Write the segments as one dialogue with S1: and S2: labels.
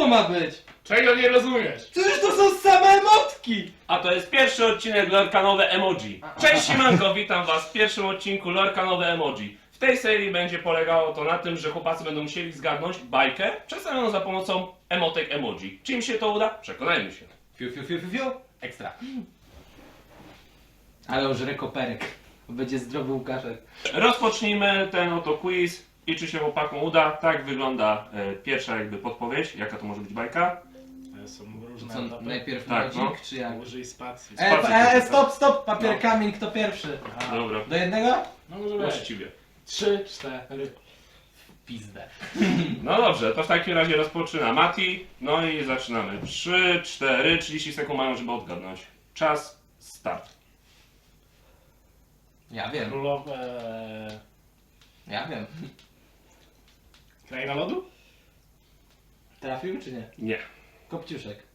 S1: to ma być?
S2: Czego nie rozumiesz?
S1: Przecież to są same emotki!
S3: A to jest pierwszy odcinek Lorkanowe Emoji. Cześć siemanko, witam was w pierwszym odcinku Lorkanowe Emoji. W tej serii będzie polegało to na tym, że chłopacy będą musieli zgadnąć bajkę przedstawioną za pomocą emotek emoji. Czy im się to uda? Przekonajmy się.
S1: Fiu, fiu, fiu, fiu, fiu. Ekstra. Ale już rekoperek. Będzie zdrowy Łukaszek.
S3: Rozpocznijmy ten oto quiz i czy się chłopakom uda. Tak wygląda pierwsza jakby podpowiedź, jaka to może być bajka.
S2: Są różne
S1: Co,
S2: etapy.
S1: najpierw
S3: Tak,
S1: lodzik,
S3: no.
S1: czy jak?
S2: Użyj spacji.
S1: Stop, papier, kamień, kto pierwszy?
S2: Aha.
S3: Dobra,
S1: Do jednego?
S2: No może być.
S3: właściwie.
S2: 3, 4. Pizdę.
S3: No dobrze, to w takim razie rozpoczyna Mati. No i zaczynamy. 3, 4, 30 sekund mają, żeby odgadnąć. Czas, start.
S1: Ja wiem,
S2: Królowe...
S1: ja wiem.
S2: Kraina lodu?
S1: Trafił czy nie?
S3: Nie.
S1: Kopciuszek.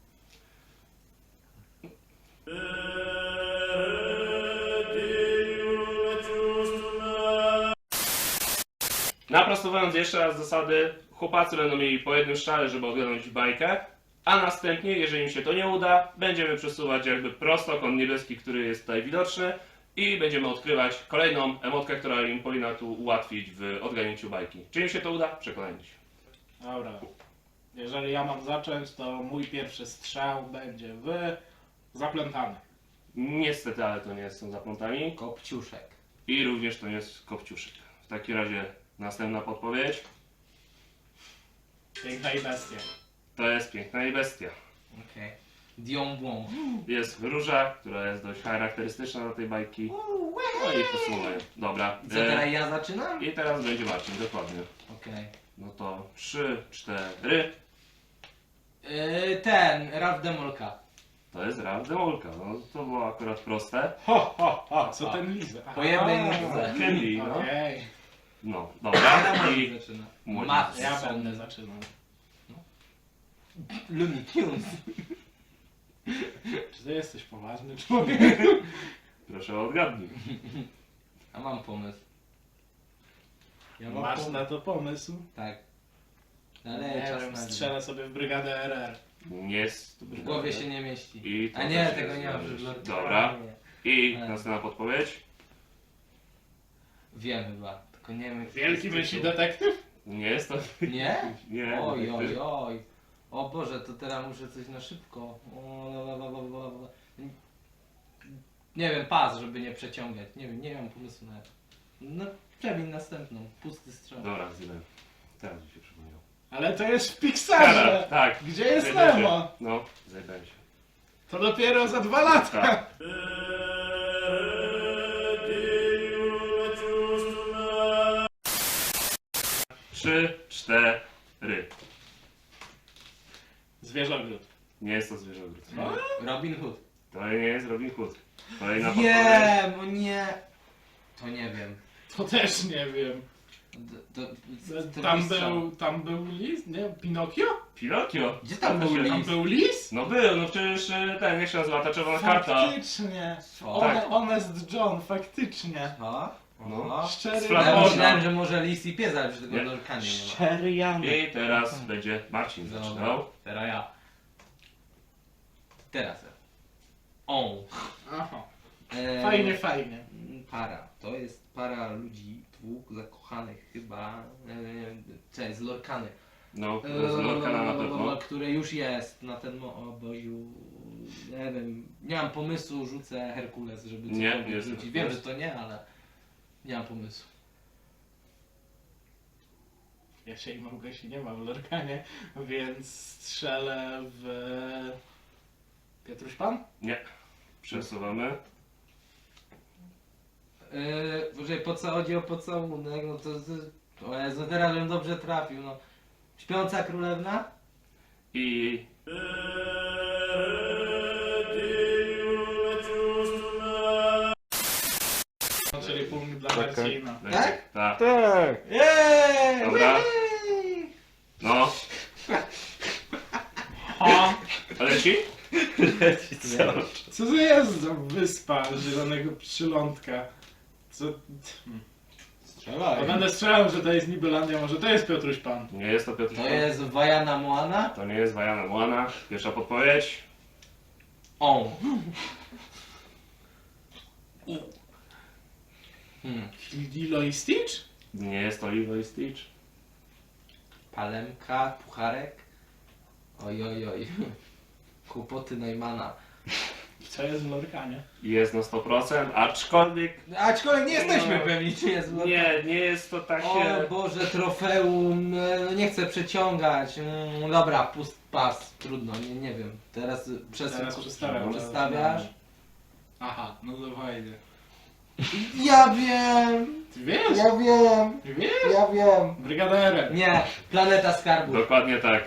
S3: Naprostowując jeszcze raz zasady, chłopacy będą mieli po jednym strzale, żeby odgadnąć bajkę, a następnie, jeżeli im się to nie uda, będziemy przesuwać jakby prostokąt niebieski, który jest tutaj widoczny i będziemy odkrywać kolejną emotkę, która im powinna tu ułatwić w odgadnięciu bajki. Czy im się to uda? Przekonajmy się.
S2: Dobra. Jeżeli ja mam zacząć, to mój pierwszy strzał będzie w... zaplątany.
S3: Niestety, ale to nie są zaplątami
S1: Kopciuszek.
S3: i również to nie jest kopciuszek. W takim razie następna podpowiedź.
S2: Piękna i bestia.
S3: To jest Piękna i Bestia.
S1: Okej. Dion Blanc.
S3: Jest róża, która jest dość charakterystyczna dla tej bajki. No i posłuchaj. Dobra.
S1: Co teraz ja zaczynam?
S3: I teraz będzie Marcin, dokładnie.
S1: Okej.
S3: No to 3, 4.
S1: Ten, Ralph Demolka.
S3: To jest Ralph Demolka. No to było akurat proste.
S2: Ho, ho, ho. Co ten lizę?
S1: Po jednej nóżce.
S3: Candy, no.
S2: Okej.
S3: No,
S1: Ja
S3: dobra.
S1: Marcin
S3: I
S1: zaczyna.
S3: Młodzi.
S1: Matson.
S2: Ja będę zaczynał.
S1: Looney Tunes.
S2: Czy ty jesteś poważny człowiek?
S3: proszę odgadnij.
S1: A mam pomysł. Ja
S2: Masz na to pomysł?
S1: Tak. Ale
S2: Nie
S1: czas
S2: wiem,
S1: na
S2: strzelę sobie w brygadę RR.
S3: Nie jest.
S1: W głowie się nie mieści.
S3: I to
S1: A nie,
S3: też
S1: tego
S3: jest
S1: nie ma
S3: dobrze.
S1: w
S3: Dobra. I
S1: Ale-
S3: następna podpowiedź.
S1: Wiem chyba, tylko nie wiem.
S2: Wielki myśli detektyw?
S3: Nie jest to.
S1: Nie?
S3: Nie.
S1: Oj, oj, oj. O Boże, to teraz muszę coś na szybko. Nie wiem, pas, żeby nie przeciągać. Nie mam pomysłu na to. No, przemień następną. Pusty strzał.
S3: Dobra, zjadłem. Teraz mi się przypomniał.
S2: Ale to jest w Pixarze!
S3: Tak.
S2: Gdzie jest
S3: zajebałem się.
S2: Nemo?
S3: No, zajebałem się.
S2: To dopiero za 2 lata!
S3: Tak. 3, 4.
S2: Zwierzogród.
S3: Nie jest to zwierzogród.
S1: Robin Hood.
S3: To nie jest Robin Hood. Kolejna podpowiedź.
S1: Wiem, o nie. To nie wiem.
S2: To też nie wiem.
S1: To
S2: Tam był lis? Nie? Pinokio?
S3: Pinokio.
S1: Gdzie tam był
S2: Tam
S1: lis?
S2: był lis?
S3: No był, no przecież ten, jak się nazywa ta czerwona karta?
S2: Faktycznie.
S1: Co?
S3: Tak.
S2: Honest John, faktycznie.
S1: A?
S3: No.
S1: Aha.
S2: Szczery
S3: Z
S1: Ja
S3: Flaporna.
S1: myślałem, że może lis i pies, ale przecież
S3: Nie.
S1: tego lorkanie nie ma.
S2: Szczery Janek.
S3: I teraz będzie Marcin zaczynał.
S1: Teraz ja. Teraz ja. O.
S2: Aha.
S1: E,
S2: Fajnie.
S1: Para. To jest para ludzi, dwóch zakochanych chyba. Cześć, z Lorkany.
S3: No, z Lorkana na pewno.
S1: Które już jest na ten oboziu. Nie wiem, nie mam pomysłu, rzucę Herkules, żeby
S3: Nie,
S1: cokolwiek
S3: jest
S1: rzucić.
S3: Herkules.
S1: Wiem, że to nie, ale nie mam pomysłu.
S2: Ja się i Małgosi nie ma w Lorkanie, więc strzelę w... Piotruś Pan?
S3: Nie. Przesuwamy.
S1: Boże, po co chodzi o pocałunek, no to o Jezu, teraz bym dobrze trafił, no. Śpiąca królewna?
S3: I
S2: Czyli punkt dla Marcina.
S3: będzie. Tak.
S2: Tak!
S1: Jej!
S3: Dobra. No.
S2: Ha!
S3: Leci?
S2: Co to jest za wyspa zielonego przylądka? Co...
S1: Strzelaj.
S2: Będę strzelał, że to jest Nibelandia, może to jest Piotruś Pan.
S3: Nie jest to Piotr
S1: To
S3: Pan.
S1: jest Wajana Moana?
S3: To nie jest Wajana Moana. Pierwsza podpowiedź.
S1: On.
S2: Lilo i Stitch?
S3: Nie jest to Lilo i Stitch.
S1: Palemka, pucharek. Oj, oj, oj. Kłopoty Neumana.
S2: Co jest w Lorkanie?
S3: Jest na 100%, aczkolwiek
S1: Aczkolwiek nie jesteśmy
S3: No.
S1: pewni, czy jest w
S3: nie jest to takie...
S1: O Boże, trofeum, no nie chcę przeciągać. Dobra, pas, trudno, nie wiem. Teraz
S2: Teraz przestawiam.
S1: Przestawiasz?
S2: Aha, no to fajnie.
S1: Ja wiem!
S2: Ty wiesz?
S1: Ja wiem!
S2: Ty wiesz?
S1: Ja wiem!
S2: Brygaderem.
S1: Nie, Planeta Skarbów.
S3: Dokładnie tak.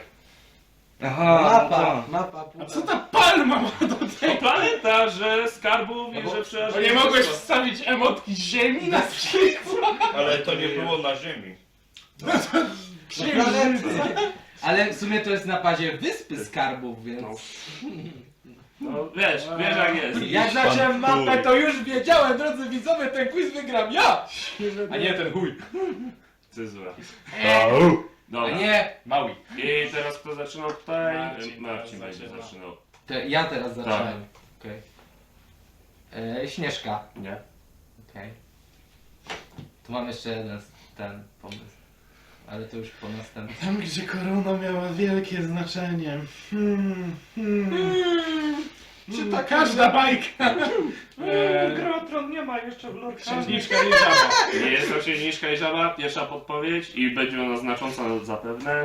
S1: Mapa.
S2: A co ta palma ma do
S3: To
S2: tego?
S3: planeta, że skarbów
S1: No
S3: i
S1: bo-
S3: że
S2: Bo
S3: przyjaźń...
S2: nie mogłeś wstawić emotki ziemi na przykład?
S4: Ale to nie było na ziemi.
S1: Planety. Ale w sumie to jest na bazie Wyspy Skarbów, więc...
S3: No. No wiesz jak jest.
S1: Jak zacząłem mapę, to już wiedziałem, drodzy widzowie, ten quiz wygram ja! A nie ten chuj.
S3: Cezura.
S1: A
S3: Dobra.
S1: nie,
S2: Maui.
S3: I teraz kto zaczynał tutaj?
S2: Marcin
S3: Marcin
S2: teraz
S3: będzie
S2: zaczyna.
S3: zaczynał.
S1: ja teraz zacząłem. Okej. Śnieżka.
S3: Nie?
S1: Okej. Tu mam jeszcze jeden ten pomysł. Ale to już po następnym.
S2: Tam, gdzie korona miała wielkie znaczenie. Czy ta każda bajka?
S3: Grotron nie ma jeszcze w
S2: Księżniczka i żaba.
S3: Nie jest to księżniczka i żaba, pierwsza podpowiedź i będzie ona znacząca zapewne.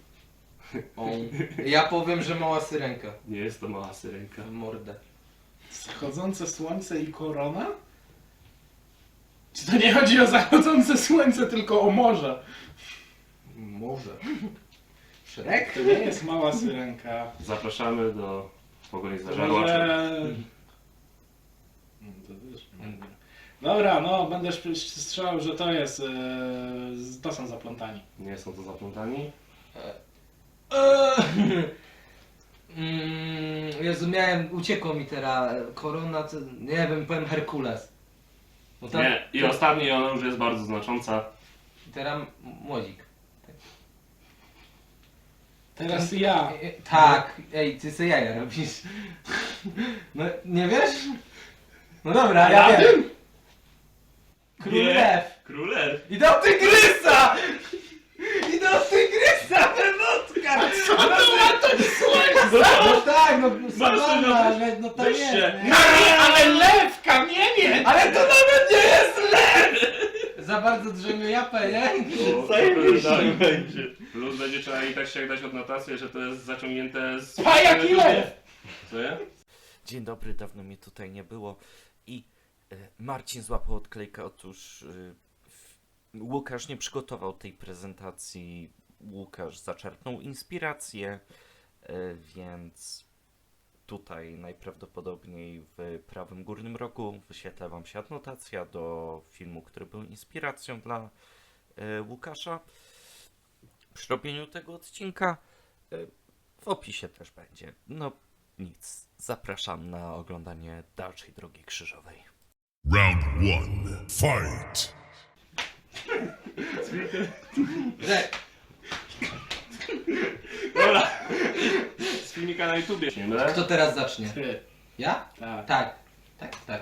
S1: Ja powiem, że mała syrenka.
S3: Nie jest to mała syrenka.
S1: W mordę.
S2: Zachodzące słońce i korona? Czy to nie chodzi o zachodzące słońce, tylko o morze?
S1: Może. Szrek?
S2: To nie jest mała syrenka.
S3: Zapraszamy do pogoni za
S2: To
S3: żarłaczem.
S2: może... To też nie. Dobra, no będę strzelał, że to jest... to są zaplątani.
S3: Nie są to zaplątani.
S1: Jezu, uciekło mi teraz korona, to, nie wiem, powiem Herkules. Bo tam,
S3: Nie. I ostatni, ona już jest bardzo znacząca.
S1: Teraz młodzik.
S2: Teraz ja.
S1: Tak, ej, ty se jaja robisz. No, nie wiesz? No dobra, ja
S2: Ja
S1: wiem. Król Lew.
S3: Królew.
S1: I do tygrysa! I do tygrysa, wynotka! No tak, no sawanna, no tam jest,
S3: wyższe.
S1: nie?
S2: No nie, ale lew, kamienie!
S1: Ale to nawet nie jest lew! Za bardzo drzemią japę, nie?
S4: Zajebiście będzie.
S3: Plus będzie trzeba i tak ściągać odnotację, że to jest zaciągnięte z...
S2: Pajak i lew!
S3: Co nie?
S5: Dzień dobry, dawno mnie tutaj nie było i Marcin złapał odklejkę. Otóż Łukasz nie przygotował tej prezentacji. Łukasz zaczerpnął inspirację, więc tutaj najprawdopodobniej w prawym górnym rogu wyświetla Wam się adnotacja do filmu, który był inspiracją dla Łukasza. Przy robieniu tego odcinka w opisie też będzie. No nic, zapraszam na oglądanie dalszej drogi krzyżowej.
S6: Round one, fight!
S1: Że
S3: Dobra. Z filmika na YouTubie. Nie mylę?
S1: kto teraz zacznie?
S2: Ty.
S1: Ja?
S2: Tak.
S1: Tak. Tak.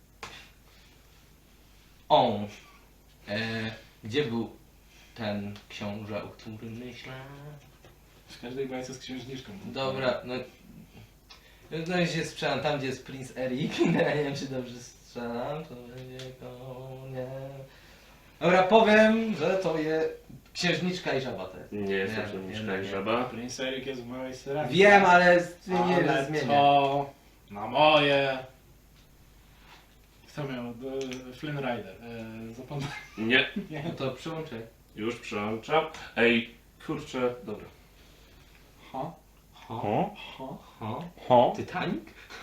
S1: On. Gdzie był ten książę, o którym myślę?
S2: W każdej bajce z księżniczką.
S1: Dobra, no i się strzelam tam, gdzie jest Prince Eric. Ja nie wiem, czy dobrze strzelam, to będzie koniec. Dobra, powiem, że to jest księżniczka i żaba to jest.
S3: Nie jest to
S1: Nie,
S3: księżniczka
S1: nie,
S3: i
S1: nie.
S3: żaba.
S2: Prince Eric jest w małej syrenie.
S1: Wiem, ale nie
S2: Ale
S1: zmienię.
S2: to na moje... Kto miał? Flynn Rider. Zapomniałem.
S3: Nie.
S1: No to przyłączę.
S3: Już przełączam. Ej, kurczę, dobra.
S2: Ha?
S1: Ho? Titanic?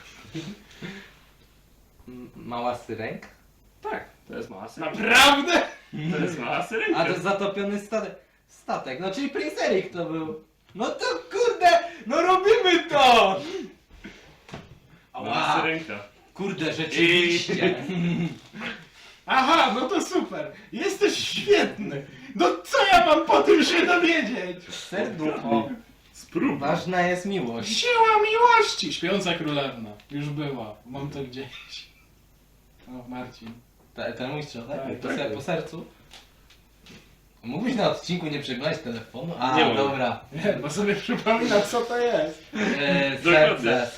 S1: Mała syrenka?
S3: Tak, to jest mała syrenka.
S2: Naprawdę?
S3: To jest mała syrenka.
S1: A to zatopiony statek. No czyli Prince Eric to był. No to kurde, no robimy to!
S3: Mała syrenka.
S1: Kurde, rzeczywiście.
S2: Aha, no to super. Jesteś świetny. No co ja mam po tym się dowiedzieć?
S1: Serducho.
S3: Spróbuj.
S1: Ważna jest miłość.
S2: Siła miłości! Śpiąca królewna. Już była. Mam to gdzieś. O, Marcin.
S1: Ten mój strzał, tak?
S2: Tak,
S1: Po sercu. Mógłbyś na odcinku nie przeglądać telefonu? A,
S3: Nie mogę.
S1: dobra.
S2: Nie, bo sobie przypominam co to jest.
S3: Dokładnie.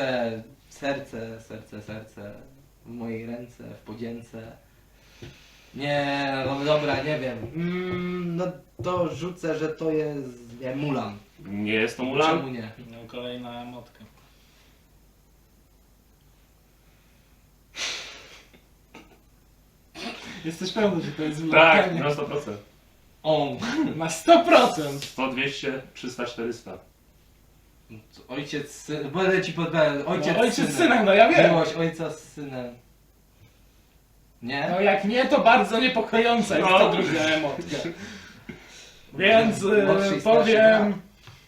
S1: Serce w mojej ręce, w podzięce. Nie, no dobra, nie wiem. No to rzucę, że to jest, nie, Mulan.
S3: Nie jest to
S1: Czemu
S3: Mulan?
S1: nie?
S2: No kolejna emotka. Jesteś pewny, że to jest
S3: Tak,
S2: wyłapanie?
S3: na 100%.
S1: On.
S2: Na 100%!
S3: 100, 200, 300, 400.
S1: Ojciec, syn, będę ci podpowiadał. Ojciec,
S2: No, ojciec
S1: synem.
S2: z synem, no ja wiem.
S1: Miłość ojca z synem. Nie?
S2: No jak nie, to bardzo niepokojąca jest
S3: No.
S2: ta druga emotka. Więc
S1: Młodszy i starszy
S2: powiem,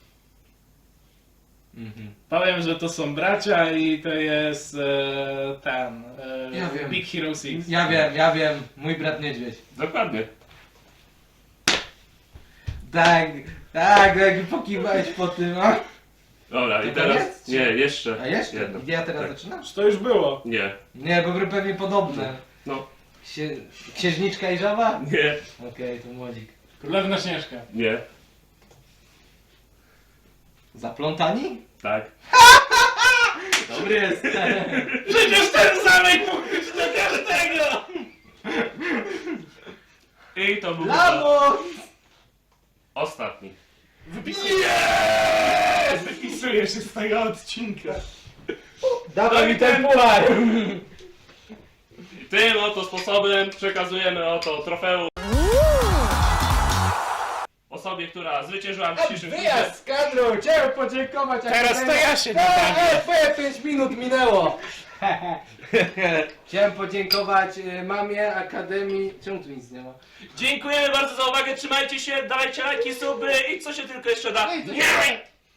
S1: Mhm.
S2: powiem, że to są bracia i to jest ten
S1: Ja wiem.
S2: Big Hero 6.
S1: Ja wiem, mój brat niedźwiedź.
S3: Dokładnie.
S1: Tak, jak pokiwałeś po tym, a?
S3: Dobra, i
S1: To
S3: teraz...
S1: jest?
S3: Nie, jeszcze.
S1: A jeszcze?
S3: Jedno.
S1: Gdzie ja teraz
S3: Tak.
S1: zaczynam?
S2: To już było.
S3: Nie.
S1: Nie, bo były pewnie podobne.
S3: No.
S1: Księżniczka i żaba?
S3: Nie.
S1: Okej, to młodzik.
S2: Królewna Śnieżka.
S3: Nie.
S1: Zaplątani?
S3: Tak.
S1: Dobry jest.
S2: Przecież ten zamek mógł być do każdego!
S3: I to był
S1: Lamo!
S3: ostatni.
S2: Wypisuję się z tego odcinka.
S1: Dawaj
S3: No
S1: mi ten puchar!
S3: I tym oto sposobem przekazujemy oto trofeum osobie, która zwyciężyła w dzisiejszym quizie.
S1: Wyjazd z kadru! Chciałem podziękować.
S2: Teraz to ja się
S1: Twoje 5 minut minęło! Chciałem podziękować mamie, akademii... Czemu tu nic nie ma?
S3: Dziękujemy bardzo za uwagę, trzymajcie się, dawajcie lajki, suby i co się tylko jeszcze da.
S1: Ej, to
S3: Nie!